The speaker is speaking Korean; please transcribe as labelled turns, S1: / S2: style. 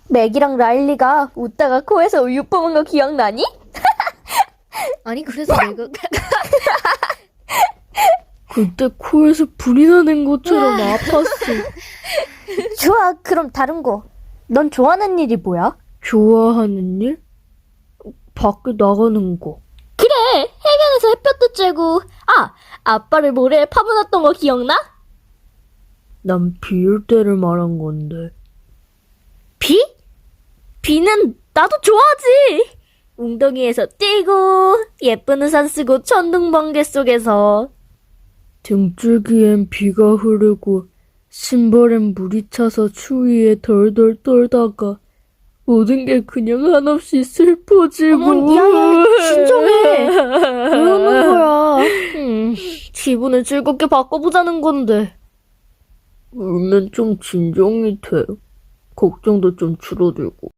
S1: 맥이랑 라일리가 웃다가 코에서 우유 뿜은 거 기억나니?
S2: 아니, 그래서 내가.
S3: 그때 코에서 불이 나는 것처럼 아팠어.
S1: 좋아, 그럼 다른 거. 넌 좋아하는 일이 뭐야?
S3: 좋아하는 일? 밖에 나가는 거.
S1: 그래, 해변에서 햇볕도 쬐고. 아, 아빠를 모래에 파묻었던 거 기억나?
S3: 난 비올 때를 말한 건데.
S1: 비? 비는 나도 좋아하지. 웅덩이에서 뛰고 예쁜 우산 쓰고 천둥번개 속에서.
S3: 등줄기엔 비가 흐르고 신발엔 물이 차서 추위에 덜덜 떨다가 모든 게 그냥 한없이 슬퍼지고.
S1: 어머, 야, 진정해.
S3: 왜
S1: 우는
S3: 거야?
S1: 기분을 즐겁게 바꿔보자는 건데.
S3: 울면 좀 진정이 돼. 걱정도 좀 줄어들고.